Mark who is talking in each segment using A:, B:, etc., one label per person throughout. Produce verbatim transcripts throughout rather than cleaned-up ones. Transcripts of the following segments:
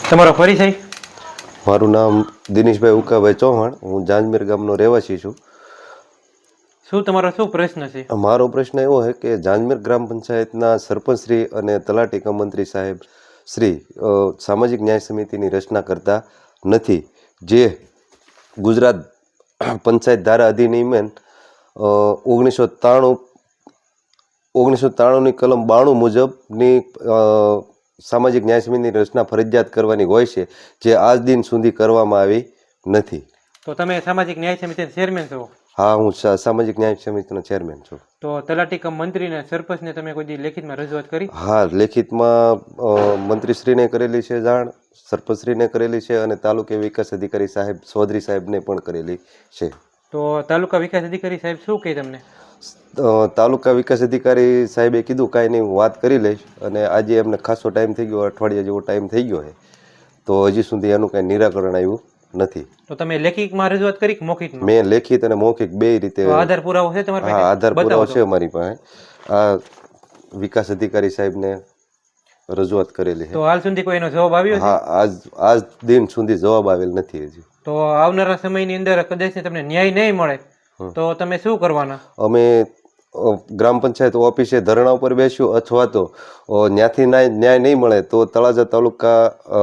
A: તમારો પરિચય?
B: મારું નામ દિનેશભાઈ ઉકાભાઈ ચૌહાણ, હું જાંજમેર ગામનો રહેવાસી છું.
A: શું તમારો શું પ્રશ્ન છે?
B: મારો પ્રશ્ન એવો છે કે જાંજમેર ગ્રામ પંચાયતના સરપંચ શ્રી અને તલાટી કમ મંત્રી સાહેબ શ્રી અ, સામાજિક ન્યાય સમિતિની રચના કરતા નથી. જે ગુજરાત પંચાયત ધારા અધિનિયમ ઓગણીસો ત્રાણું ઓગણીસો ત્રાણુંની કલમ બાણું મુજબની અ, સામાજિક ન્યાય સમિતિની રચના ફરજિયાત કરવાની હોય છે, જે આજ દિન સુધી કરવામાં આવી નથી.
A: તો તમે સામાજિક ન્યાય સમિતિના ચેરમેન છો?
B: હા, હું સા- સામાજિક ન્યાય સમિતિનો ચેરમેન છું.
A: તો તલાટી કમ મંત્રીને સરપંચને તમે કોઈ દી લેખિતમાં રજૂઆત કરી?
B: હા, લેખિતમાં અ, મંત્રીશ્રીને કરેલી છે જાણ, સરપંચશ્રીને કરેલી છે અને તાલુકે વિકાસ અધિકારી સાહેબ ચૌધરી સાહેબને પણ કરેલી છે.
A: તો તાલુકા વિકાસ અધિકારી સાહેબ શું કહે તમને?
B: અ, તાલુકા વિકાસ અધિકારી સાહેબે કીધું કાંઈ નહીં, હું વાત કરી લઈશ. અને આજે એમને ખાસો ટાઈમ થઈ ગયો, અઠવાડિયા જેવો ટાઈમ થઈ ગયો છે, તો હજી સુધી એનું કાંઈ નિરાકરણ આવ્યું નથી.
A: તો તમે લેખિતમાં રજૂઆત કરી કે મૌખિકમાં?
B: મેં લેખિત અને મૌખિક બે રીતે.
A: તો આધાર પુરાવો છે તમારી પાસે?
B: હા, આધાર
A: બતાવો
B: પુરાવો
A: તો.
B: છે અમારી પાસે. આ વિકાસ અધિકારી સાહેબને રજૂઆત કરેલી છે.
A: તો હાલ સુધી કોઈ એનો જવાબ આવ્યો છે?
B: હા, આજ આજ દિન સુધી જવાબ આવેલ નથી હજી.
A: તો આવનારા સમયની અંદર કદાચ તમને ન્યાય નહીં મળે તો તમે શું કરવાના?
B: અમે અ, ગ્રામ પંચાયત ઓફિસે ધરણા ઉપર બેસ્યું, અથવા તો અ, ન્યાથી ન્યાય ન્યાય નહીં મળે તો તળાજા તાલુકા અ,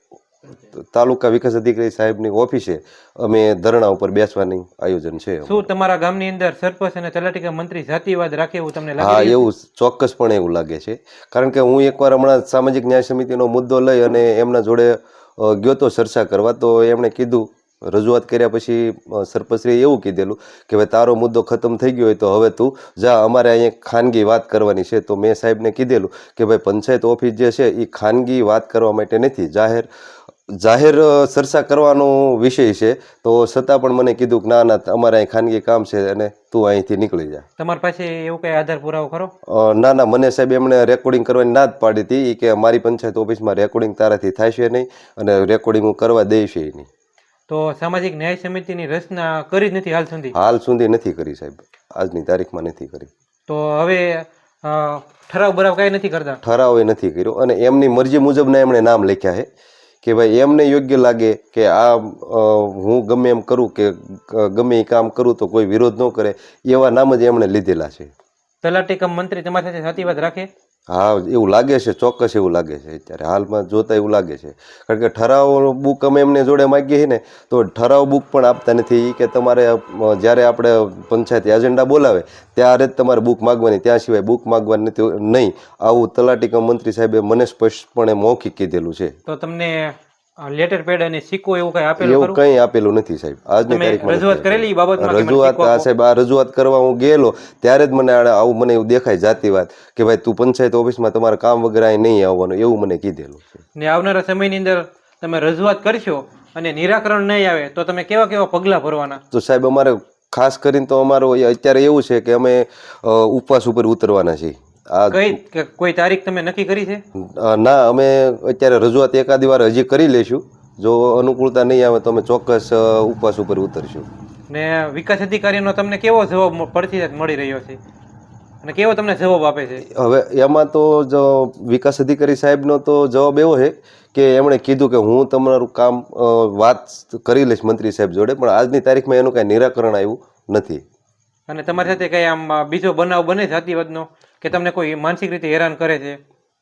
B: તાલુકા વિકાસ અધિકારી સાહેબની ઓફિસે અમે ધરણા ઉપર બેસવાની આયોજન છે.
A: શું તમારા ગામની અંદર સરપંચ અને તલાટી કમ મંત્રી જાતિવાદ રાખે એવું તમને
B: હા,
A: લાગે?
B: એવું ચોક્કસપણે એવું લાગે છે. કારણ કે હું એકવાર હમણાં સામાજિક ન્યાય સમિતિનો મુદ્દો લઈ અને એમના જોડે અ, ગયો તો ચર્ચા કરવા, તો એમણે કીધું, રજૂઆત કર્યા પછી અ, સરપંચશ્રીએ એવું કીધેલું કે ભાઈ તારો મુદ્દો ખતમ થઈ ગયો હોય તો હવે તું જા, અમારે અહીંયા ખાનગી વાત કરવાની છે. તો મેં સાહેબને કીધેલું કે ભાઈ પંચાયત ઓફિસ જે છે એ ખાનગી વાત કરવા માટે નથી, જાહેર જાહેર અ, ચર્ચા કરવાનો વિષય છે. તો છતાં પણ મને કીધું કે ના ના, અમારે અહીં ખાનગી કામ છે અને તું અહીંથી નીકળી જા.
A: તમારી પાસે એવું કઈ આધાર પુરાવો ખરો?
B: અ, ના ના, મને સાહેબ એમણે રેકોર્ડિંગ કરવાની ના જ પાડી હતી. ઈ કે મારી પંચાયત ઓફિસમાં રેકોર્ડિંગ તારાથી થશે નહીં અને રેકોર્ડિંગ હું કરવા દઈશ નહીં.
A: તો સામાજિક ન્યાય સમિતિની રચના કરી જ નથી હાલ સુધી?
B: હાલ સુધી નથી કરી સાહેબ, આજની તારીખમાં નથી કરી.
A: તો હવે અ, ઠરાવ બરાવ કાંઈ નથી કરતા?
B: ઠરાવ એ નથી કર્યો અને એમની મરજી મુજબના એમણે નામ લખ્યા છે કે ભાઈ એમને યોગ્ય લાગે કે આ અ, હું ગમે એમ કરું કે ગ- ગમે એ કામ કરું તો કોઈ વિરોધ ન કરે, એવા નામ જ એમણે લીધેલા છે.
A: તલાટી કમ મંત્રી તમારી સાથે જાતિવાદ રાખે?
B: હા, એવું લાગે છે, ચોક્કસ એવું લાગે છે. અત્યારે હાલમાં જોતા એવું લાગે છે. કારણ કે ઠરાવ બુક અમે એમને જોડે માગીએ છીએ ને, તો ઠરાવ બુક પણ આપતા નથી. ઈ કે તમારે અ, જ્યારે આપણે પંચાયત એજન્ડા બોલાવે ત્યારે જ તમારે બુક માગવાની, ત્યાં સિવાય બુક માગવાની નથી નહીં, આવું તલાટી કમ મંત્રી સાહેબે મને સ્પષ્ટપણે મૌખિક કીધેલું છે.
A: તો તમને લેટર પેડ અને સિક્કો એવું કઈ આપેલું
B: એવું
A: ખરું?
B: કંઈ આપેલું નથી સાહેબ, આજની
A: તમે
B: તારીખમાં
A: રજૂઆત
B: નથી
A: કરેલી ઈ
B: આપેલું.
A: બાબતમાં કે મને
B: રજૂઆત
A: સિક્કો
B: આ
A: આપો?
B: સાહેબ, આ રજૂઆત કરવા હું ગયેલો ત્યારે જ મને આને આવું મને એવું દેખાય જાતિવાદ કે ભાઈ તું પંચાયત ઓફિસમાં તમારા કામ વગર અહીં નહીં આવવાનું, એવું મને કીધેલું છે.
A: ને આવનારા સમયની અંદર તમે રજૂઆત કરશો અને નિરાકરણ નહીં આવે તો તમે કેવા કેવા પગલાં ભરવાના?
B: તો સાહેબ અમારે ખાસ કરીને તો અમારો એ અત્યારે એવું છે કે અમે અ, ઉપવાસ ઉપર ઉતરવાના છીએ. આ
A: કઈ કે કોઈ તારીખ તમે નક્કી કરી છે?
B: અ, ના, અમે અત્યારે રજૂઆત એકાદી વાર હજી કરી લઈશું. જો અનુકૂળતા નહીં આવે તો અમે ચોક્કસ અ, ઉપવાસ ઉપર ઉતરશું.
A: ને વિકાસ અધિકારીનો તમને કેવો જવાબ મ- પરથી મળી રહ્યો છે અને કેવો તમને જવાબ આપે છે?
B: હવે એમાં તો જો વિકાસ અધિકારી સાહેબનો તો જવાબ એવો છે કે એમણે કીધું કે હું તમારું કામ અ, વાત કરી લઈશ મંત્રી સાહેબ જોડે, પણ આજની તારીખમાં એનું કાંઈ નિરાકરણ આવ્યું નથી.
A: અને તમારી સાથે કઈ આમ અ, બીજો બનાવ બને જાતિવાદનો કે તમને કોઈ માનસિક રીતે હેરાન કરે છે?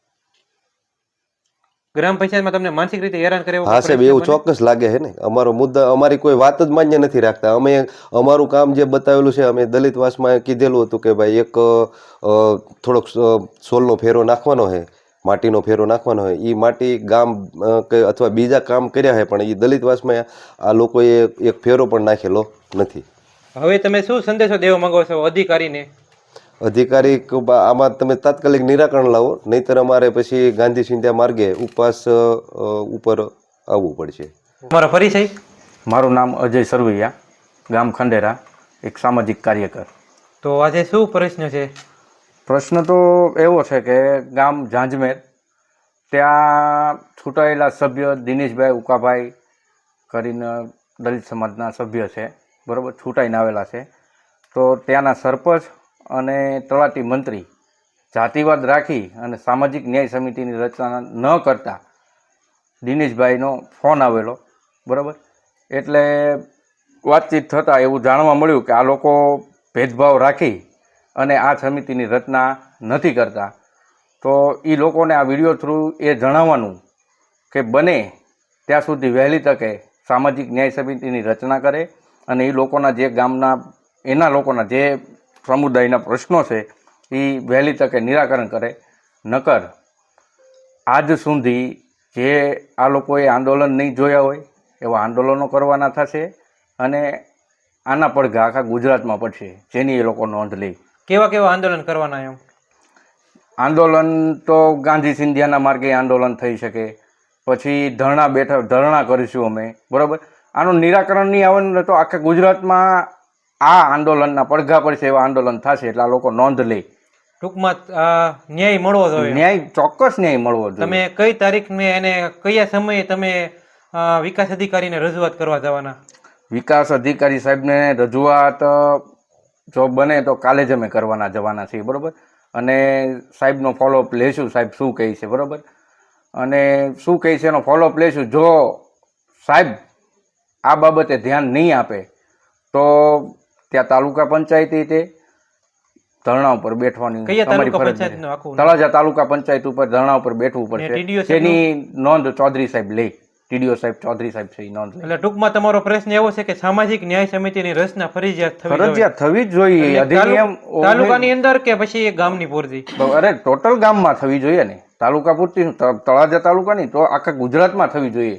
A: ગ્રામ પંચાયતમાં તમને માનસિક રીતે હેરાન કરે એવો
B: હા
A: કોઈ
B: સાહેબ,
A: પ્રશ્ન
B: એવું
A: બને?
B: ચોક્કસ લાગે છે ને. અમારો મુદ્દા, અમારી કોઈ વાત જ માન્ય નથી રાખતા. અમે અમારું કામ જે બતાવેલું છે, અમે દલિતવાસમાં કીધેલું હતું કે ભાઈ એક અ, થોડોક અ, સોલનો ફેરો નાખવાનો છે, માટીનો ફેરો નાખવાનો હોય, એ માટી ગામ અ, કે અથવા બીજા કામ કર્યા છે, પણ એ દલિતવાસમાં આ લોકોએ એક ફેરો પણ નાખેલો નથી.
A: હવે તમે શું સંદેશો દેવા માંગો છો અધિકારીને?
B: અધિકારી ક- બા- આમાં તમે તાત્કાલિક નિરાકરણ લાવો, નહીંતર અમારે પછી ગાંધી સિંધ્યા માર્ગે ઉપવાસ અ, અ, ઉપર આવવું પડશે.
A: તમારો પરિચય?
C: મારું નામ અજય સરવૈયા, ગામ ખંડેરા, એક સામાજિક કાર્યકર.
A: તો આજે શું પ્રશ્ન છે?
C: પ્રશ્ન તો એવો છે કે ગામ ઝાંઝમેર, ત્યાં છૂટાયેલા સભ્ય દિનેશભાઈ ઉકાભાઈ કરીને દલિત સમાજના સભ્ય છે, બરાબર, છૂટાઈને આવેલા છે. તો ત્યાંના સરપંચ અને તલાટી મંત્રી જાતિવાદ રાખી અને સામાજિક ન્યાય સમિતિની રચના ન કરતા દિનેશભાઈનો ફોન આવેલો, બરાબર. એટલે વાતચીત થતાં એવું જાણવા મળ્યું કે આ લોકો ભેદભાવ રાખી અને આ સમિતિની રચના નથી કરતા. તો એ લોકોને આ વિડીયો થ્રુ એ જણાવવાનું કે બને ત્યાં સુધી વહેલી તકે સામાજિક ન્યાય સમિતિની રચના કરે અને એ લોકોના જે ગામના એના લોકોના જે સમુદાયના પ્રશ્નો છે એ વહેલી તકે નિરાકરણ કરે. નકર આજ સુધી જે આ લોકોએ આંદોલન નહીં જોયા હોય એવા આંદોલનો કરવાના થશે અને આના પડઘા આખા ગુજરાતમાં પડશે, જેની એ લોકો નોંધ લે.
A: કેવા કેવા આંદોલન કરવાના એમ?
C: આંદોલન તો ગાંધી સિંધિયાના માર્ગે આંદોલન થઈ શકે, પછી ધરણા બેઠા ધરણા કરીશું અમે, બરાબર. આનું નિરાકરણ નહીં આવે ને તો આખા ગુજરાતમાં આ આંદોલનના પડઘા પડશે એવા આંદોલન થશે, એટલે આ લોકો નોંધ લે.
A: ટૂંકમાં આ ન્યાય મળવો જોઈએ.
C: ન્યાય ચોક્કસ ન્યાય મળવો જોઈએ.
A: તમે કઈ તારીખને અને કયા સમયે તમે અ, વિકાસ અધિકારીને રજૂઆત કરવા જવાના?
C: વિકાસ અધિકારી સાહેબને રજૂઆત જો બને તો કાલે જ અમે કરવાના જવાના છીએ, બરાબર. અને સાહેબનો ફોલોઅપ લેશું, સાહેબ શું કહે છે, બરાબર. અને શું કહે છે એનો ફોલોઅપ લેશું. જો સાહેબ આ બાબતે ધ્યાન નહીં આપે તો ત્યાં તાલુકા પંચાયતી તે ધરણા ઉપર બેઠવાની
A: કયા
C: તમારી
A: તાલુકા
C: ફરજ
A: પંચાયતનું
C: છે.
A: આખું?
C: તળાજા તાલુકા પંચાયત ઉપર ધરણા ઉપર બેઠવું
A: ને
C: પડશે.
A: TDO સાહેબનું?
C: તેની નોંધ ચૌધરી સાહેબ લે. ટીડીઓ સાહેબ ચૌધરી સાહેબ છે એ નોંધ લે.
A: એટલે ટૂંકમાં તમારો પ્રશ્ન એવો છે કે સામાજિક ન્યાય સમિતિની રચના ફરજિયાત થવી જોઈએ.
C: ફરજિયાત થવી જ જોઈએ.
A: એટલે
C: અધિનિયમ
A: તાલુ- તાલુકાની અંદર કે પછી ગામની પૂરતી?
C: અરે ટોટલ ગામમાં થવી જોઈએ ને, તાલુકા પૂરતી શું, ત- તળાજા તાલુકાની તો આખા ગુજરાતમાં થવી જોઈએ.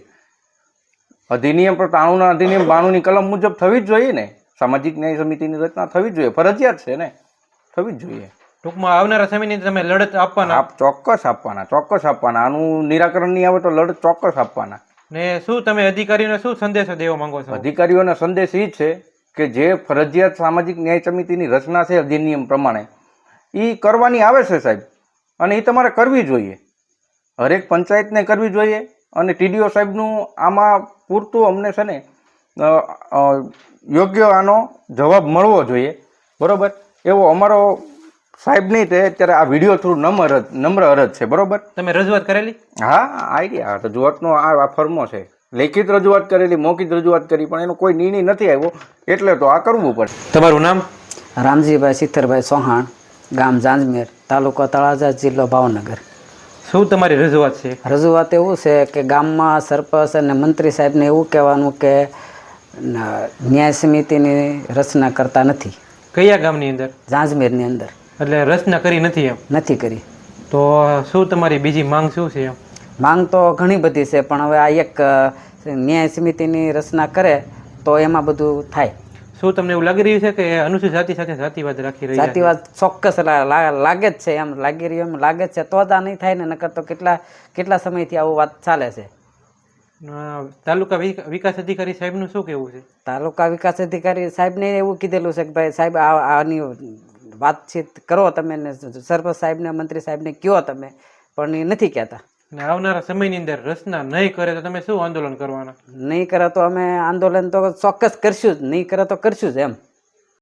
C: અધિનિયમ પર ત્રાણુંના અધિનિયમ બાણુંની કલમ મુજબ થવી જ જોઈએ ને. સામાજિક ન્યાય સમિતિની રચના થવી જ જોઈએ, ફરજિયાત છે ને, થવી જ જોઈએ.
A: ટૂંકમાં આવનારા સમયની તમે લડત આપવાના?
C: આપ ચોક્કસ આપવાના, ચોક્કસ આપવાના. આનું નિરાકરણ નહીં આવે તો લડત ચોક્કસ આપવાના.
A: ને શું તમે અધિકારીઓને શું સંદેશો દેવા માંગો છો?
C: અધિકારીઓનો સંદેશ એ છે કે જે ફરજિયાત સામાજિક ન્યાય સમિતિની રચના છે અધિનિયમ પ્રમાણે એ કરવાની આવે છે સાહેબ, અને એ તમારે કરવી જોઈએ. હરેક પંચાયતને કરવી જોઈએ. અને ટીડીઓ સાહેબનું આમાં પૂરતું અમને છે ને અ, અ, યોગ્ય આનો જવાબ મળવો જોઈએ, બરાબર. એવો અમારો સાહેબ નહીં તે અત્યારે આ વિડીયો થ્રુ નમ્ર નમ્ર અરજ છે, બરાબર.
A: તમે રજૂઆત કરેલી?
C: હા, આઈડિયા રજૂઆતનો આ આ ફર્મો છે. લેખિત રજૂઆત કરેલી, મૌખિક રજૂઆત કરી, પણ એનો કોઈ નિર્ણય નથી આવ્યો, એટલે તો આ કરવું પડે.
A: તમારું નામ?
D: રામજીભાઈ સિત્તરભાઈ ચૌહાણ, ગામ જાંજમેર, તાલુકો તળાજા, જિલ્લો ભાવનગર.
A: શું તમારી રજૂઆત છે?
D: રજૂઆત એવું છે કે ગામમાં સરપંચ અને મંત્રી સાહેબને એવું કહેવાનું કે ન- ન્યાય સમિતિની રચના કરતા નથી
A: કયા ગામની અંદર?
D: જાંજમેરની અંદર.
A: એટલે રચના કરી નથી એમ?
D: નથી કરી.
A: તો શું તમારી બીજી માંગ શું છે એમ?
D: માંગ તો ઘણી બધી છે, પણ હવે આ એક અ, ન્યાય સમિતિની રચના કરે તો એમાં બધું થાય.
A: શું તમને એવું લાગી રહ્યું છે કે અનુસૂચિત જાતિ સાથે જાતિવાદ રાખી રહ્યા છે?
D: જાતિવાદ ચોક્કસ લા- લા- લાગે જ છે, એમ લાગી રહ્યું, એમ લાગે જ છે, તો જ આ નહીં થાય ને. નકર તો કેટલા કેટલા સમયથી આવું વાત ચાલે છે.
A: અ, તાલુકા વિક- વિકાસ અધિકારી સાહેબનું શું કહેવું છે?
D: તાલુકા વિકાસ અધિકારી સાહેબને એવું કીધેલું છે કે ભાઈ સાહેબ આ આની વાતચીત કરો તમે, ને સરપંચ સાહેબને મંત્રી સાહેબને કહો તમે, પણ એ નથી કહેતા.
A: અને આવનારા સમયની અંદર રચના નહીં કરે તો તમે શું આંદોલન કરવાના?
D: નહીં કરે તો અમે આંદોલન તો ચોક્કસ કરશું જ, નહીં કરે તો કરશું જ એમ.